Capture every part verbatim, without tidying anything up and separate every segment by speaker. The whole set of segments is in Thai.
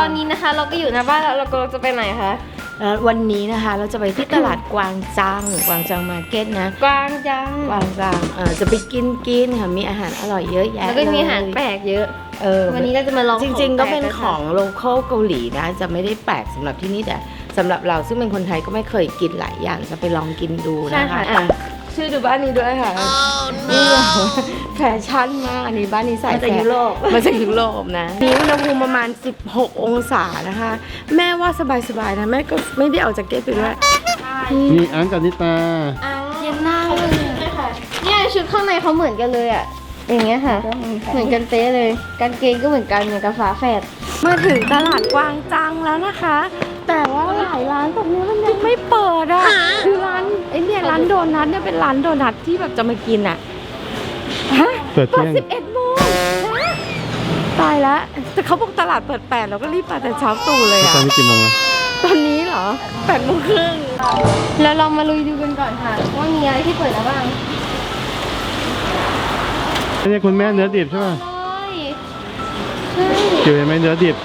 Speaker 1: อนนี้นะคะเราก็อยู่หน้าบ้านแล้วเราก็จะไปไหนคะ
Speaker 2: แล้ววันนี้นะคะเราจะไปที่ตลาดกวางจังกวางจังมาร์เก็ตนะ
Speaker 1: กวางจัง
Speaker 2: กวางจังเออจะไปกินกินค่ะมีอาหารอร่อยเยอะแยะ
Speaker 1: แล้วก็มีอาหารแปลกเยอะ
Speaker 2: เออ
Speaker 1: วันนี้เราจะมาลอง
Speaker 2: จริงๆก็เป็นของโลคอลเกาหลีนะจะไม่ได้แปลกสำหรับที่นี่แต่สำหรับเราซึ่งเป็นคนไทยก็ไม่เคยกินหลายอย่างจะไปลองกินดูนะคะชื่อดูบ้านนี้ด้วยค่ะนี่แฟชั่นมากอันนี้บ้านนี้ใส่
Speaker 1: มาจากยุโรป
Speaker 2: มาจากยุโรปนะนี่อุณหภูมิประมาณสิบหกองศานะคะแม่ว่าสบายๆนะแม่ก็ไม่ได้เอาแจ็คเก็ตไปด้วย
Speaker 3: นี่อันกับนิตา
Speaker 1: เย็นหน้าเลยเนี่ยชุดข้างในเขาเหมือนกันเลยอ่ะอย่างเงี้ยค่ะเหมือนกันเป๊ะเลยกางเกงก็เหมือนกันเหมือนกับฝาแฝด
Speaker 2: มาถึงตลาดกวางจังแล้วนะคะแต่ว่าหลายร้านตรงนี้มันยังไม่เปิดอ่ะคือร้านไอ้เนี่ยร้านโดนัทเนี่ยเป็นร้านโดนัทที่แบบจะมากินอ่ะฮะ
Speaker 3: เปิดเที่ยง
Speaker 2: สิบเอ็ดโมงตายแล้วแต่เขาบอกตลาดเปิดแปดเราก็รีบมาแต่เช้าตู่เลยอ่ะ
Speaker 3: ตอนนี้กี่โมงแล้ว
Speaker 2: ตอนนี้เหรอแปดโมงครึ่ง
Speaker 1: แล้วเรามาลุยดูกันก่อนค่ะว่ามีอะไรที่เปิดแล้วบ้าง
Speaker 3: นี่คุณแม่เนื้อดิบใช่ไหม
Speaker 1: ใช่
Speaker 3: เกี่ยวไหมเนื้อดิบ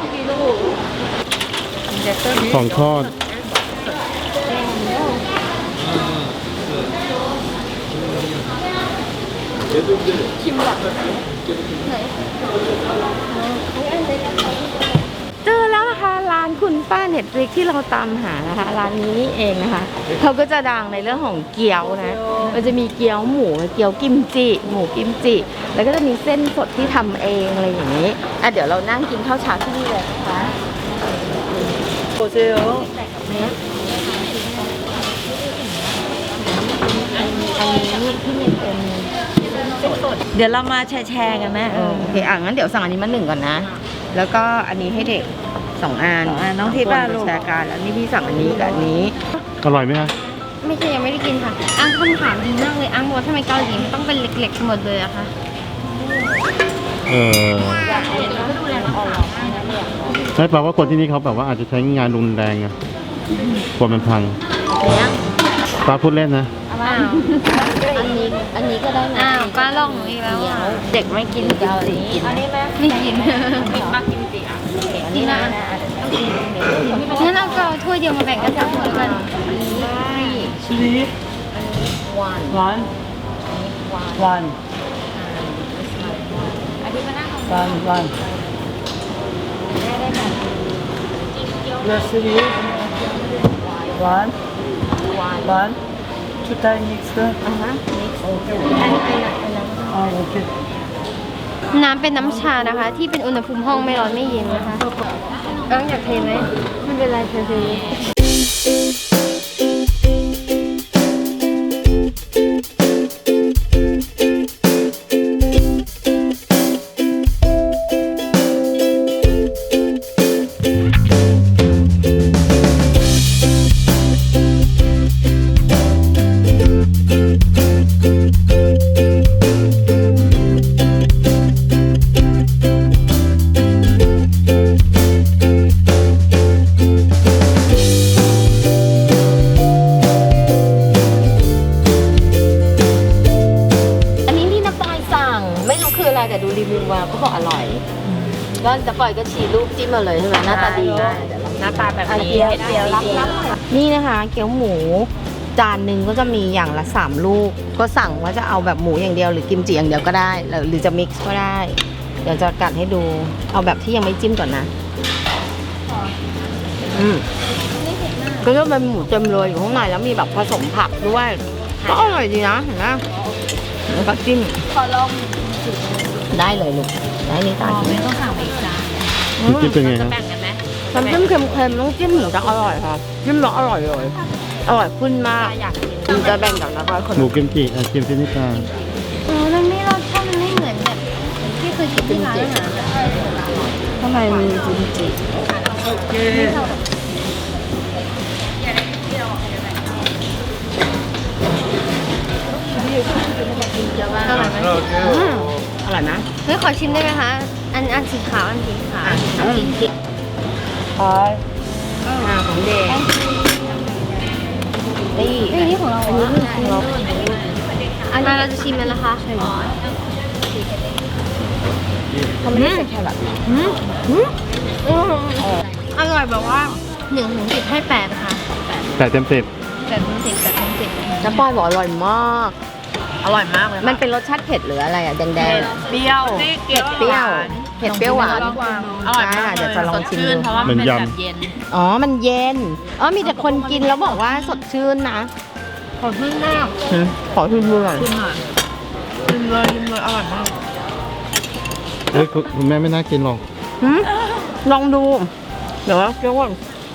Speaker 3: ของทอด
Speaker 1: ชิมหรอไหน
Speaker 2: เจอแล้วนะคะร้านคุณป้าเน็ตฟลิกที่เราตามหานะคะร้านนี้นี่เองนะคะเขาก็จะดังในเรื่องของเกี๊ยวนะมันจะมีเกี๊ยวหมูเกี๊ยวกิมจิหมูกิมจิแล้วก็จะมีเส้นสดที่ทำเองอะไรอย่างนี้อ่ะเดี๋ยวเรานั่งกินข้าวเช้าที่นี่เลยนะคะโอเซลอันนี้ที่นี่เป็นเดี๋ยวเรามาแชร์กันนะเออโอเคอ่ะงั้นเดี๋ยวสั่งอันนี้มาหนึ่งก่อนนะแล้วก็อันนี้ให้เด็กสองอันน้องทิพย์บ้าลูกแชร์กันแล้วนี่พี่สั่งอันนี้กับอันนี้
Speaker 3: อร่อยไหมคะ
Speaker 1: ไม่ใช่ยังไม่ได้กินค่ะอ้างคำถามดีมากเลยอ้างบอกว่าทำไมเกาหลีมันต้องเป็นเล็กๆหมดเลยอะคะ
Speaker 3: เออใช่แปลว่าคนที่นี่เขาแบบว่าอาจจะใช้งานรุนแรงอะกลัวมันพังป้าพูดเล่นนะ
Speaker 1: อ้าวอันนี้อันนี้ก็ได้นะอ้าวป้าลองหนูอีกแล้ว
Speaker 2: เด็กไม่กินเกาหลีกินอันนี้ไหม
Speaker 1: ไม่กินป้ากินสิอ่ะนี่นะงั้นเราก็ถ้วยเดียวมาแบ่งกันสามคนแล้วกัน
Speaker 3: ชิลี
Speaker 2: วันวันวัน
Speaker 1: อันนี้มานั่ง
Speaker 2: วันวันเลสลีวันวันชุดไทยมิกซ์กันอ่าฮะมิกซ์โอเคอันนี้เป็นอะไรนะอ๋อโอเค
Speaker 1: น้ำเป็นน้ำชานะคะที่เป็นอุณหภูมิห้องไม่ร้อนไม่เย็นนะคะต้องอยากเทไหมไม่เป็นไรเท
Speaker 2: แต่ดูรีวิวมาก็บอกอร่อยก็จะปล่อยก็ฉีดรูปจิ้มมาเลยใช่ไหมหน้าตาดีหน้าตาแบบนี้เกี๊ยวรับนี่นะคะเกี๊ยวหมูจานหนึ่งก็จะมีอย่างละสามลูกก็สั่งว่าจะเอาแบบหมูอย่างเดียวหรือกิมจิอย่างเดียวก็ได้หรือจะมิกซ์ก็ได้เดี๋ยวจะกัดให้ดูเอาแบบที่ยังไม่จิ้มก่อนนะอืมก็จะเป็นหมูเต็มเลยอยู่ข้างในแล้วมีแบบผสมผักด้วยก็อร่อยดีนะเห็นไหมแล้วก็จิ้ม
Speaker 1: ขอลอง
Speaker 2: ได้เลยลูกได้นี่ตา
Speaker 1: ไม่ต้องสั่งอีกจ้า
Speaker 3: จิ้มเป็นไงครับ
Speaker 2: น้ำจิ้มเค็มๆต้องจิ้มหมูจะอร่อยค่ะจิ้มแล้วอร่อยเลยอร่อยขึ้นมากมันจะแบ่งกับนะคะคน
Speaker 3: หมูกิมจิอ่ะกิมจินิตา
Speaker 1: อ๋อมันไม่รสชาติมันไม่เหมือนแบบที่เคยกินที่ร้านอาหาร
Speaker 2: ข้างในมีกิมจิโอเคอร่อยไหมอร่อยนะ
Speaker 1: เฮ้ยขอชิมได้ไหมคะอันอันสีขาวอันสีขาว
Speaker 2: อันสีเขียวอ๋อของเด็กนี่
Speaker 1: นี่ของเราอันนี้ของเราอันนี้เราจะชิมมันนะคะ
Speaker 2: เขาไม่ได้ใส่แครอท
Speaker 1: อร่อยแบบว่าหนึ่งถึงสิบให้แปดค่ะ
Speaker 3: แต่เต็มสิบ
Speaker 1: แปดถึงสิบแปดถึงสิบ
Speaker 2: น้ำปอยบอกอร่อยมาก
Speaker 4: อร่อยมากเลย
Speaker 2: มันเป็นรสชาติเผ็ดหรืออะไรอ่ะแดงแดง
Speaker 4: เปรี้ยว
Speaker 2: เผ็ดเปรี้ยวเผ็ดเปรี้ยวหวาน
Speaker 4: อร่อยมาก
Speaker 2: เดี๋ยวจะลองชิมดู
Speaker 4: เพราะว่ามันเป็นแบบเย็น
Speaker 2: อ๋อมันเย็นอ๋อมีแต่คนกินแล้วบอกว่าสดชื่นนะ
Speaker 4: ขอชื่นมาก
Speaker 2: ขอชิมดูหน่อย
Speaker 4: ชิมหน่อยชิมเลยชิมเลยอร่อยมาก
Speaker 3: เฮ้ยคุณคุณแม่ไม่น่ากินหรอก
Speaker 2: หืมลองดู เดี๋ยวเดี๋ยวก่อน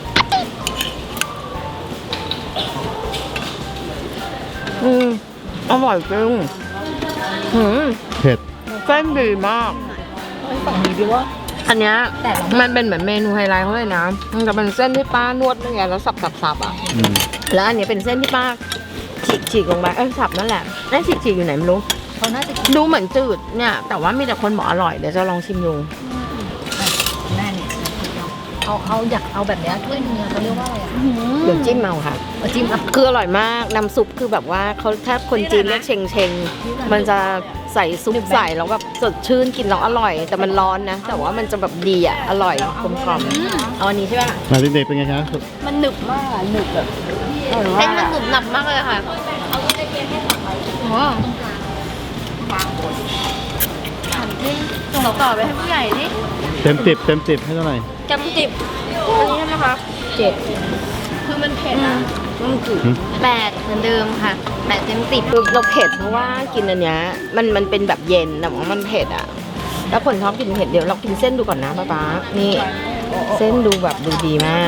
Speaker 2: อืมอร่อยจริงหืม
Speaker 3: เผ็ด
Speaker 2: เส้นดีมากอันเนี้ยมันเป็นเหมือนเมนูไฮไลท์เขาเลยนะมันจะเป็นเส้นที่ป้านวดเป็นไงแล้วสับสับสับอ่ะ
Speaker 3: อืม
Speaker 2: แล้วอันนี้เป็นเส้นที่ป้าฉีกฉีกลงไปเอ้ยสับนั่นแหละไอ้ฉีกฉีกอยู่ไหนไม่รู้
Speaker 4: เขาน่าจะ
Speaker 2: ดูเหมือนจืดเนี่ย แต่ว่ามีแต่คนบอกอร่อยเดี๋ยวจะลองชิมดู
Speaker 4: แม่เนี่ยเอาเอาอยากเอาแบบเนี้ยถ้วยเนื้อเขาเรียกว่าอะไรอ่ะ
Speaker 2: เดี๋ยวจิ้มเอาค่ะ
Speaker 4: เอาจิ้มอ่ะ
Speaker 2: คืออร่อยมากน้ำซุปคือแบบว่าเขาถ้าคนจีนเรียกเชงเชงมันจะใส่ซุปใส่แล้วแบบสดชื่นกินแล้วอร่อย แต่มันร้อนนะ แต่ว่ามันจะแบบดีอ่ะอร่อยกลมกล่อมเอาอันนี้ใช่ไหม
Speaker 3: มาเด็กๆเป็นไงคะ
Speaker 1: มันหนึบมากอะหนึบแบบเส้นมันหนึบหนับมากเลยค่ะโอ้ส่งต่อไปให้ผู้ใหญ่ดิ
Speaker 3: เต็มสิบเต็มสิบให้เท่าไหร่
Speaker 1: จำสิบอันนี้ใช่ไหมคะเจ็ดคือมันเผ็ดอะ
Speaker 3: หืม
Speaker 1: แปดเหมือนเดิมค่ะแปดเต็มสิบ
Speaker 2: คือเราเผ็ดเพราะว่ากินอันเนี้ยมันมันเป็นแบบเย็นแต่ว่ามันเผ็ดอ่ะแล้วคนชอบกินเผ็ดเดี๋ยวเรากินเส้นดูก่อนนะป๊าป๊านี่เส้นดูแบบดูดีมาก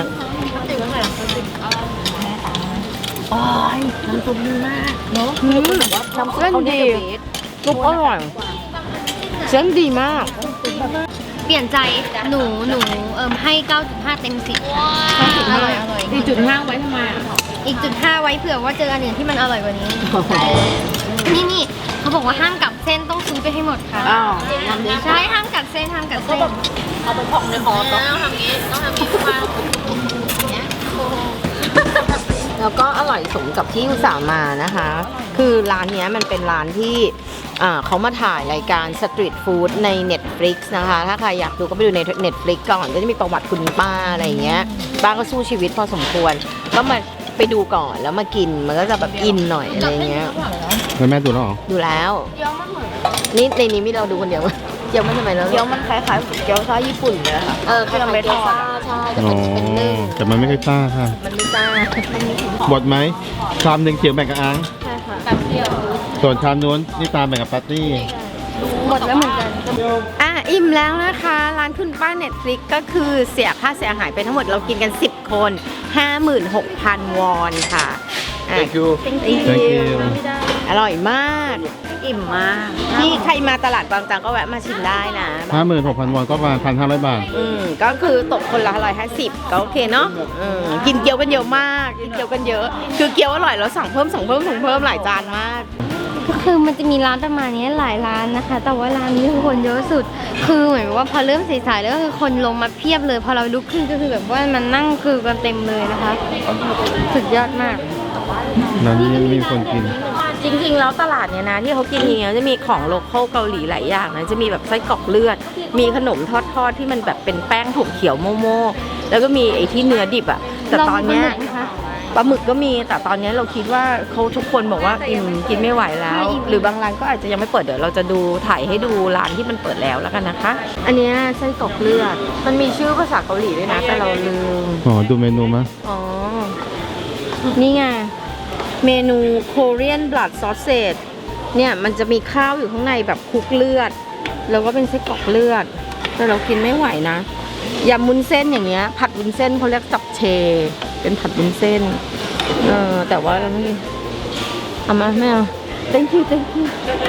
Speaker 4: โอ้ยน้ำซุปดีมากเนาะ
Speaker 2: อืมเส้นดีซุปอร่อยเส้นดีมาก
Speaker 1: เปลี่ยนใจหนูหนูเอิมให้ เก้าจุดห้า เต็มสิบค่ะอร่อยอร่อย
Speaker 4: สี่จุดห้าไว้ทำไมอ่ะ
Speaker 1: อีกจุดห้าไว้เผื่อว่าเจออันอื่นที่มันอร่อยกว่านี้ นี่นี่เขาบอกว่าห้ามกลับเส้นต้องซื้อไปให้หมดค่ะ
Speaker 2: อ้าว
Speaker 1: ใช่ห้ามกัดเส้นห้ามกัดเส้น
Speaker 4: เอาไปพอกในคอต้องทำงี้ต้องทำงี้มาอย่างเงี้ย
Speaker 2: แล้วก็อร่อยสมกับที่อุตส่าห์มานะคะ คือร้านเนี้ยมันเป็นร้านที่อ่าเขามาถ่ายรายการสตรีทฟู้ดใน Netflix นะคะ ถ้าใครอยากดูก็ไปดูใน Netflix ก่อนก็จะมีประวัติคุณป้าอะไรอย่างเงี้ยป้าก็สู้ชีวิตพอสมควร ก็มาไปดูก่อนแล้วมากินมันก็จะแบบอินหน่อยอะไรอย่างเงี้ย
Speaker 3: แล้วแม่ดูแล้วเหรอ
Speaker 2: ดูแล้วนี่ในนี้มีเราดูคนเดียวเกี๊ยวมันทำไมแล้ว
Speaker 4: เกี๊ยวมันคล้ายๆเกี๊ยวซ่าญี่ปุ่นเลยค่ะ
Speaker 2: เออคล้ายๆเกี๊ยวซ่าใช่แต่
Speaker 3: อ๋อ
Speaker 2: เป็นเป็นนึ่ง
Speaker 3: แต่มันไม่ค่อยซ่าค่ะ
Speaker 2: มันไม่ซ่า
Speaker 3: หมดไหมชามหนึ่งเขียวแบ่งกับอัง
Speaker 1: ใช่ค่ะ
Speaker 4: แบบเดียว
Speaker 3: ส่วนชามนู้นนี่ตามแบ่งกับปาร์ตี้
Speaker 1: หมดแล้วเหมือนกัน
Speaker 2: อ่ะอิ่มแล้วนะคะ ร้านคุณป้า Netflix ก็คือเสียค่าเสียหายไปทั้งหมดเรากินกัน สิบ คน ห้าหมื่นหกพัน วอนค่ะอ่ะ
Speaker 3: Thank you
Speaker 2: Thank
Speaker 3: Thank
Speaker 2: you
Speaker 3: you
Speaker 2: อร่อยมาก
Speaker 4: อิ่มมาก
Speaker 2: ที่ใครมาตลาดบางจากก็แวะมาชิมได้นะ
Speaker 3: ห้าหมื่นหกพันวอนก็ประมาณพันห้าร้อยบาท
Speaker 2: อืมก็คือตกคนละร้อยห้าสิบก็โอเคเนาะอืมกินเกี๊ยวกันเยอะมาก กินเกี๊ยวกันเยอะ คือเกี๊ยวอร่อยแล้วสั่งเพิ่มสั่งเพิ่มสั่งเพิ่มหลายจานมาก
Speaker 1: ก็คือมันจะมีร้านประมาณนี้หลายร้านนะคะ แต่ว่าร้านนี้คือคนเยอะสุด คือเหมือนว่าพอเริ่มสายๆแล้วก็คือคนลงมาเพียบเลย พอเราลุกขึ้นก็คือแบบว่ามันนั่งคือกันเต็มเลยนะคะ สุดยอดมาก
Speaker 3: ร้านนี้ยังมีคนกิน
Speaker 2: จริงๆ แล้วตลาดเนี่ยนะที่เขากินอย่างเงี้ยจะมีของโลคอลเกาหลีหลายอย่างนะจะมีแบบไส้กรอกเลือด มีขนมทอดๆที่มันแบบเป็นแป้งถั่วเขียวโมโม่แล้วก็มีไอ้ที่เนื้อดิบอะแต่ตอนเนี้ย
Speaker 1: ลองปลาหมึกไหมคะ
Speaker 2: ปลาหมึกก็มีแต่ตอนเนี้ยเราคิดว่าเขาทุกคนบอกว่าอิ่มกินไม่ไหวแล้ว
Speaker 1: ไม่อิ่ม
Speaker 2: หรือบางร้านก็อาจจะยังไม่เปิดเดี๋ยวเราจะดูถ่ายให้ดูร้านที่มันเปิดแล้วแล้วกันนะคะ อันเนี้ยไส้กรอกเลือด มันมีชื่อภาษาเกาหลีด้วยนะแต่เราลืม
Speaker 3: อ๋อ ดูเมนูมั้ย
Speaker 2: อ๋อ นี่ไง เมนู Korean Blood Sausage เนี่ยมันจะมีข้าวอยู่ข้างในแบบคลุกเลือด แล้วก็เป็นไส้กรอกเลือด แต่เรากินไม่ไหวนะยำวุ้นเส้นอย่างเงี้ย ผัดวุ้นเส้นเขาเรียกจับเช เป็นผัดวุ้นเส้น เออ แต่ว่าเราไม่เอามาไม่เอา thank you thank you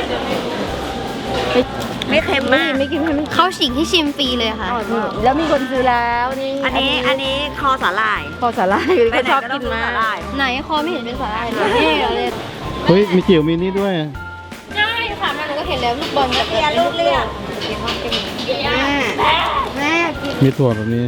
Speaker 4: ไม่เค็มมาก
Speaker 2: ไม่กินไม่กิน
Speaker 1: เขาฉีกให้ชิมฟรีเลยค่ะ
Speaker 2: นี่แล้วมีคนซื้อแล้วนี่
Speaker 4: อันนี้อันนี้คอสาหร่าย
Speaker 2: พอสาหร่ายเขาชอบกินมาก
Speaker 1: ไหนคอไม่เห็นเป็นสาหร่ายเลยนี่เหรอเลย
Speaker 3: เฮ้ย มีจิ๋วมีนี่ด้วย
Speaker 1: ใช่ค่ะแม่หนูก็เห็นแล้วลูกบอลกับ
Speaker 4: เรียนลูกเรียน
Speaker 1: แม่กิน
Speaker 3: มีถั่วแบบนี้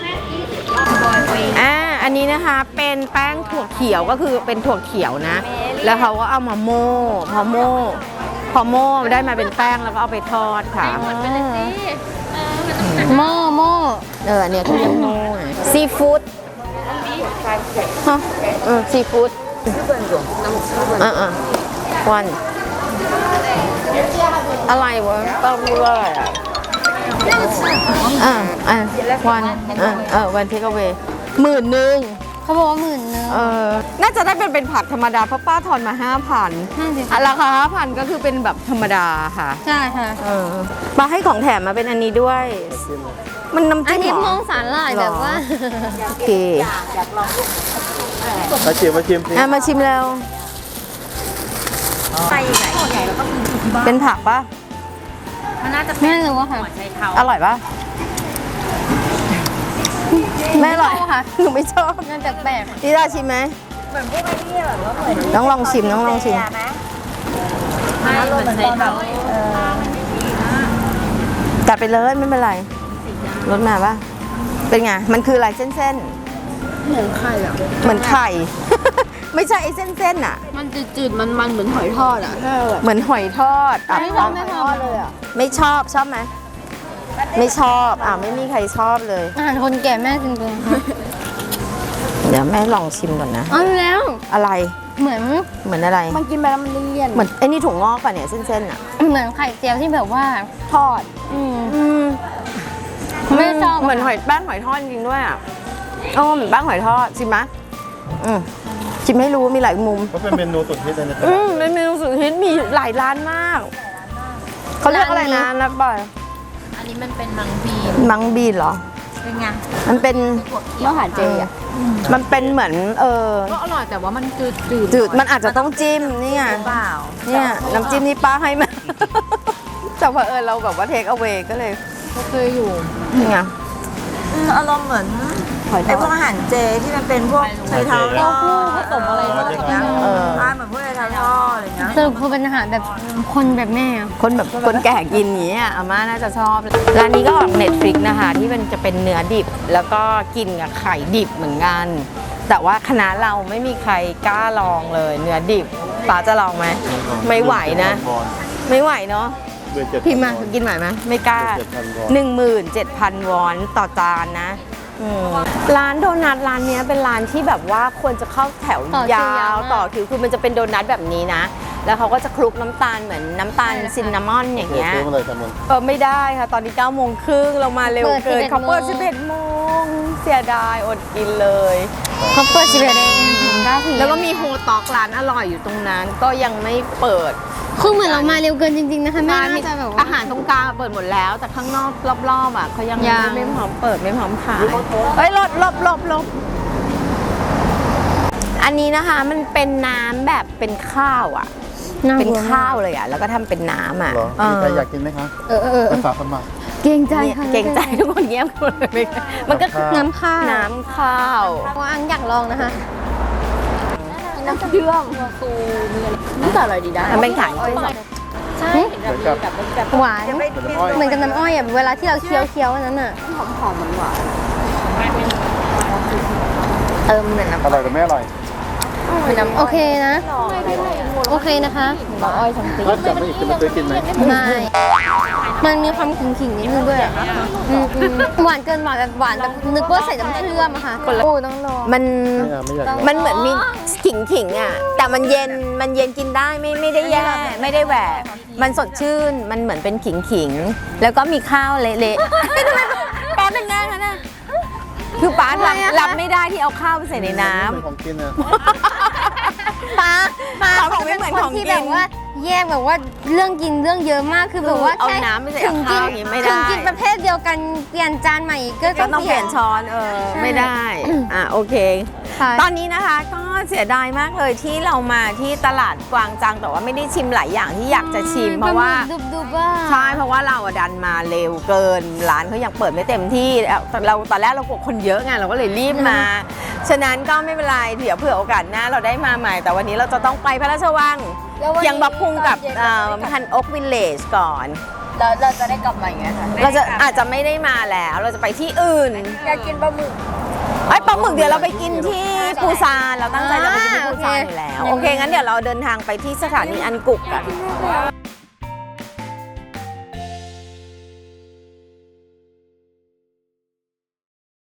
Speaker 2: อ่า อันนี้นะคะเป็นแป้งถั่วเขียวก็คือเป็นถั่วเขียวนะ แล้วเขาก็เอามาโม่พอโม่พอโม่ได้มาเป็นแป้งแล้วก็เอาไปทอดค่ะ
Speaker 1: โม่โม่
Speaker 2: เอออันเนี้ยเขาเรียกโม่ซีฟู้ดฮะเออซีฟู้ดอ่ะอ่ะวันอะไรวะป้าพูดว่าอะไรอ่ะอ่ะอ่ะวันอ่ะเออวันเทคเอาเวหมื่นหนึ่ง
Speaker 1: เขาบอกว่าหมื่นนึง
Speaker 2: เออน่าจะได้เป็นเป็นผักธรรมดาเพราะป้าทอนมาห้าพัน
Speaker 1: นั่นสิคะ
Speaker 2: ราคาห้าพันก็คือเป็นแบบธรรมดาค่ะ
Speaker 1: ใช่ค่ะ
Speaker 2: เออป้าให้ของแถมมาเป็นอันนี้ด้วย มันน้ำ
Speaker 1: อั
Speaker 2: จิ้
Speaker 1: น
Speaker 2: ม
Speaker 1: นี้
Speaker 2: เหร
Speaker 1: ม
Speaker 2: อ
Speaker 1: องสาหร่ายแบบว่า
Speaker 2: โอเค
Speaker 3: มาชิมมาชิมสิ
Speaker 2: อ่ะมาชิมแล้ว
Speaker 4: ใส่ไหนส่วนใหญ่เราก็มีอยู่ที่บ้าน
Speaker 2: เป็นผักปะ
Speaker 4: มันน่าจะ
Speaker 1: ไม่รู้ว่าค่ะ
Speaker 4: หัวไชเท้า
Speaker 2: อร่อยปะไม่อร่อย
Speaker 1: ไม่ชอบค่ะ
Speaker 2: หนูไม่ชอบ
Speaker 1: น่าจะแปลก
Speaker 2: นี่ได้ชิมไหม
Speaker 4: เหมือนพวกไอ้นี่แบบว่าเหมือน
Speaker 2: ต้องลองชิมต้องลองชิม
Speaker 4: ไม่เหมือนไชเท้า
Speaker 2: จัดไปเลยไม่เป็นไรรสมาปะเป็นไง มันคืออะไรเส้น
Speaker 4: เหมือนไข่อะ
Speaker 2: ๆ เหมือนไข่ ไม่ใช่ไอ้เส้นๆอ่ะ
Speaker 4: มันจืดๆมันๆเหมือนหอยทอดอะ
Speaker 2: เหมือนหอยทอดอ่ะ
Speaker 1: ไม่ชอบไม่ชอบ
Speaker 4: เลยอะ
Speaker 2: ไม่ชอบชอบไหมไม่ชอบอ่ะไม่มีใครชอบเลย
Speaker 1: อาหารคนแก่แม่จริงๆค่ะ
Speaker 2: เดี๋ยวแม่ลองชิมก่อนนะ
Speaker 1: เอาแล้ว
Speaker 2: อะไร
Speaker 1: เหมือน
Speaker 2: เหมือนอะไร
Speaker 4: มันกินไปแล้วมันเลี่ยน
Speaker 2: เหมือนไอ้นี่ถุงงอกป่ะเนี่ยเส้นๆอ่ะ
Speaker 1: เหมือนไข่เจียวที่แบบว่า
Speaker 4: ทอด
Speaker 1: อืม
Speaker 2: อืม
Speaker 1: ไม่ชอบ
Speaker 2: เหมือนหอยแป้งหอยทอดจริงด้วยอ่ะโอ้เหมือนแป้งหอยทอดชิมไหมอืมชิมให้รู้มีหลายมุม
Speaker 3: ก็เป็นเมนูสุดฮิตเลยนะ
Speaker 2: อืมเป็นเมนูสุดฮิตมีหลายร้านมากเขาเรียกอะไรนะนับบ่อย
Speaker 4: อันนี้มันเป็นมังบี
Speaker 2: มังบีนเหรอ
Speaker 4: เป็นไง
Speaker 2: มันเป็น
Speaker 4: เมื่อหารเจอะ
Speaker 2: มันเป็นเหมือนเออ
Speaker 4: ก็อร่อยแต่ว่ามันจืดจืด
Speaker 2: จืดมันอาจจะต้องจิ้มนี่ไง
Speaker 4: เปล่า
Speaker 2: เนี่ยน้ำจิ้มนี่ป้าให้มา แต่พอเออเราแบบว่าเทคเอา a y ก็เลย
Speaker 4: ก็เคยอยู่
Speaker 2: นี่ไง
Speaker 5: อารมณ์เหมือนไอ้พวกอาหารเจที่มันเป็นพวกไชเท้าทอด
Speaker 4: ผสมอะไรทอด
Speaker 2: เออ
Speaker 5: ใช่เหมือนพวกไชเท้าทอดอะไรเงี้ย
Speaker 1: สรุปคือเป็นอาหารแบบคนแบบแม่อะ
Speaker 2: คนแบบคนแก่กินอย่างนี้ยอาม่าน่าจะชอบ ร้านนี้ก็ออกเน็ตฟลิกนะคะ ที่มันจะเป็นเนื้อดิบ แล้วก็กินกับไข่ดิบเหมือนกัน แต่ว่าคณะเราไม่มีใครกล้าลองเลย เนื้อดิบป้าจะลองไหมไม่ไหวนะ ไม่ไหวเนาะ
Speaker 3: เดือนเจ็ด
Speaker 2: พิมพ์มากินไหวไหมไม่กล้า หนึ่งหมื่นเจ็ดพันวอนต่อจานนะอืมร้านโดนัทร้านเนี้ยเป็นร้านที่แบบว่าควรจะเข้าแถวยาวต่อคิวคือมันจะเป็นโดนัทแบบนี้นะ แล้วเขาก็จะคลุกน้ำตาลเหมือนน้ำตาลซินนามอนอย่างเงี้ย
Speaker 3: ซื้อมาเลยจำนวน
Speaker 2: เออไม่ได้ค่ะ ตอนนี้เก้าโมงครึ่งเรามาเร็วเกินเขาเปิดสิบเอ็ดโมงเสียดายอดกินเลย
Speaker 1: เขาเปิดสิบเอ็ดเองถึงเก้าที
Speaker 2: แล้วก็มีโฮต็อกร้านอร่อยอยู่ตรงนั้น ก็ยังไม่เปิด
Speaker 1: คือเหมือนเรามาเร็วเกินจริงๆนะคะแม่
Speaker 2: ร้าน
Speaker 1: น่า
Speaker 2: มี
Speaker 1: จะแบบว่า
Speaker 2: อาหารตรงกลางเปิดหมดแล้ว แต่ข้างนอกรอบๆอ่ะเขายัง
Speaker 1: ยัง
Speaker 2: ไม่พร้อมเปิดไม่พร้อมขายเฮ้ยลบลบลบลบอันนี้นะคะมันเป็นน้ำแบบเป็นข้าวอ่ะ
Speaker 1: น่
Speaker 2: เป็น
Speaker 1: กลัวมก
Speaker 2: ข้าวเลยอ่ะแล้วก็ทำเป็นน้ำอ่ะ
Speaker 3: เหรอ
Speaker 2: เอ
Speaker 3: มี
Speaker 2: อ
Speaker 3: ใครอยากกินไหมคะ
Speaker 1: เออเออเออ
Speaker 3: ไปฝากสมัคร
Speaker 1: เกรงใจค่ะ
Speaker 2: เก่งใจทุกคนเงียบหมดเลยมันก็คือ
Speaker 1: น้ำข้าว
Speaker 2: น้ำข้าว
Speaker 1: ว่าอันอยากลองนะคะ
Speaker 4: น้ำเชื่อมซูมีอะไรนี่ก็อร่อยดีได้
Speaker 2: มันเป็นขาย
Speaker 4: ใช่
Speaker 3: เหมือนกับ
Speaker 4: แบบแบบ
Speaker 1: หวาน
Speaker 3: เป็นอ้อย
Speaker 1: เหมือนกับน้ำอ้อยอ่ะเวลาที่เราเคี้ยวเคี้ยวๆอันนั้นอ่ะ
Speaker 4: หอมหอมหวาน
Speaker 2: เติมเหมือนน้ำ
Speaker 3: อร่อยหรือไม่อร่อย
Speaker 1: โอเคนะ โอเคนะคะ
Speaker 4: น้ำอ้อยสังตี
Speaker 3: ถ้าจับไม่อีกจะมาซื้อกินไหม
Speaker 1: ไม่ มันมีความขิงๆนิดนึงด้วยอะอืมอืมหวานเกินหวานแบบหวานแบบนึกว่าใส่น้ำเชื่อมอะค่ะโอ้ต้องลอง
Speaker 2: มัน
Speaker 3: ไม่อยากไม่อยากลอง
Speaker 2: มันเหมือนมีขิงขิงๆอ่ะแต่มันเย็นมันเย็นกินได้ไม่ไม่ได้แย่ไม่ได้แหวกมันสดชื่นมันเหมือนเป็นขิงขิงๆแล้วก็มีข้าวเละๆป้าเป็นแน่นะคือป้ารับรับไม่ได้ที่เอาข้าวไปใส่ในน้ำ
Speaker 3: เป็นของกินนะ
Speaker 1: ป้าป้า
Speaker 2: เขาบอกไม่เหมือนของกิน
Speaker 1: ที่แบบว่าแยกแบบว่าเรื่องกินเรื่องเยอะมากคือแบบว่า
Speaker 2: เอา
Speaker 1: แค่
Speaker 2: น้ำไปใส่
Speaker 1: ถึง
Speaker 2: ข้าว
Speaker 1: กิ
Speaker 2: อย่างงี้ไม่ได้
Speaker 1: ถึงกินประเภทเดียวกันเปลี่ยนจานใหม่ก็
Speaker 2: ก็ต้องเปลี่ยนช้อนเออ
Speaker 1: ใช่
Speaker 2: ไม่ได้อ่ะโอเค
Speaker 1: ค่ะ
Speaker 2: ตอนนี้นะคะก็เสียดายมากเลยที่เรามาที่ตลาดกวางจังแต่ว่าไม่ได้ชิมหลายอย่างที่อยากจะชิมเพราะว่า
Speaker 1: ดุบดุบๆว่า
Speaker 2: ใช่เพราะว่าเราอะดันมาเร็วเกินร้านเขายังเปิดไม่เต็มที่เราตอนแรกเรากลัวคนเยอะไงเราก็เลยรีบมา ฉะนั้นก็ไม่เป็นไรเดี๋ยวเผื่อโอกาสหน้าเราได้มาใหม่ แต่วันนี้เราจะต้องไปพระราชวังเพียงบักพุงกับพันอกวิลเลจก่อน
Speaker 5: แล้วเราจะได้กลับมาอย่างเงี้ยค่ะ
Speaker 2: เราจะอาจจะไม่ได้มาแล้วเราจะไปที่อื่น
Speaker 5: อยากกินปลาหมึก
Speaker 2: ไอ้ยปลาหมึกเดี๋ยวเราไปกินที่ปูซานเราตั้งใจจะไปกินที่ปูซานอยู่แล้ว โอเค งั้นเดี๋ยวเราเดินทางไปที่สถานีอันกุกกัน